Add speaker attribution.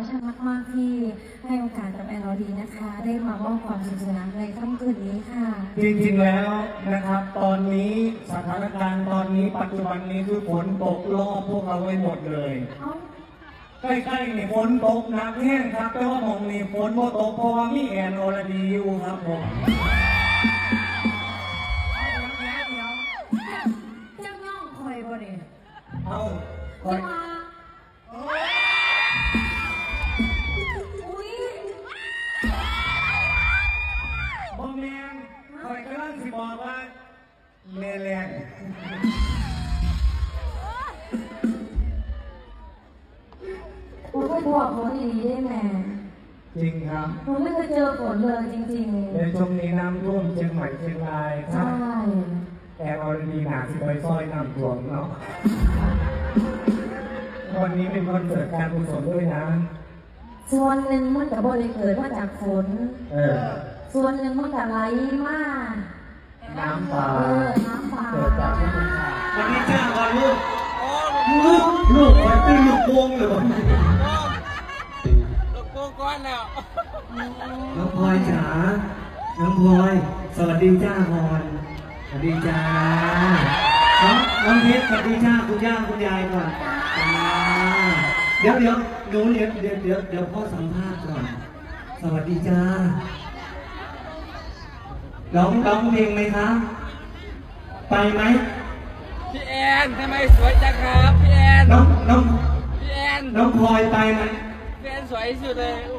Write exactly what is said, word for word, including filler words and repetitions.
Speaker 1: ชันมากๆที่ให้โอกาสกับแอนอดีนะคะ ได้มามอบความสนุกสนานในค่ำคืนนี้ค่ะ
Speaker 2: จริงๆแล้วนะครับ ตอนนี้สถานการณ์ตอนนี้ปัจจุบันนี้คือฝนตกรอบพวกเราไว้หมดเลยใกล้ๆนี่ฝนตกหนักแห้งครับแต่ว่าหมองนี่ฝนโมตกเพราะว่ามีแอนอรดีอยู่ครับผม
Speaker 1: เจ้าย่องคอยบ่เนี่ย
Speaker 2: เอาคอ
Speaker 1: จะ
Speaker 2: ย
Speaker 1: มาอุ้ย
Speaker 2: บอแมนคอยกำลังสิบอกว่าแม่แรง
Speaker 1: ผมไม่บอกฝนดีได้แม่
Speaker 2: จริงครับ
Speaker 1: ผมไม่เคยเจอฝนเลยจริงๆ
Speaker 2: ในช่วงนี้น้ำท่วมเชียงใหม่เชียงรายครั
Speaker 1: ใช่
Speaker 2: บแอนอรดีหนาสิไปซอยน้ำท่วมเนาะวันนี้เป็นคอนเสิร์ตการกุศลด้วยนะ
Speaker 1: ส่วนหนึ่งมันกับบริเกิดมาจากฝน
Speaker 2: เออ
Speaker 1: ส่วนหนึ่งมันกับไหลมาก
Speaker 2: น้ำป่า
Speaker 1: เออน้ำป่า
Speaker 2: เกิดจากธรรมชาติวันนี้จ้าก่อนลูกลูกลูกไปตื้อลูกวงเลยลูกวงก้อนแล้วน้องพลอยจ๋าน้องพลอยสวัสดีจ้าพรสวัสดีจ้าน้องน้องเพชรสวัสดีจ้าคุณย่าคุณยายก่อนจ้าเดี๋ยวเดี๋ยวหนูเดี๋ยวเดี๋ยวเดี๋ยวเดี๋ยวพ่อสัมภาษณ์ก่อนสวัสดีจ้าร้องร้องเพลงไหมคะไปไหม
Speaker 3: พี่แอนทำไมสวยจังครับพี่แอน
Speaker 2: น้องน้อง
Speaker 3: พี่แอน
Speaker 2: น้องพลอยไปไหม
Speaker 3: พี่แอนสวยที่สุดเลยโอ้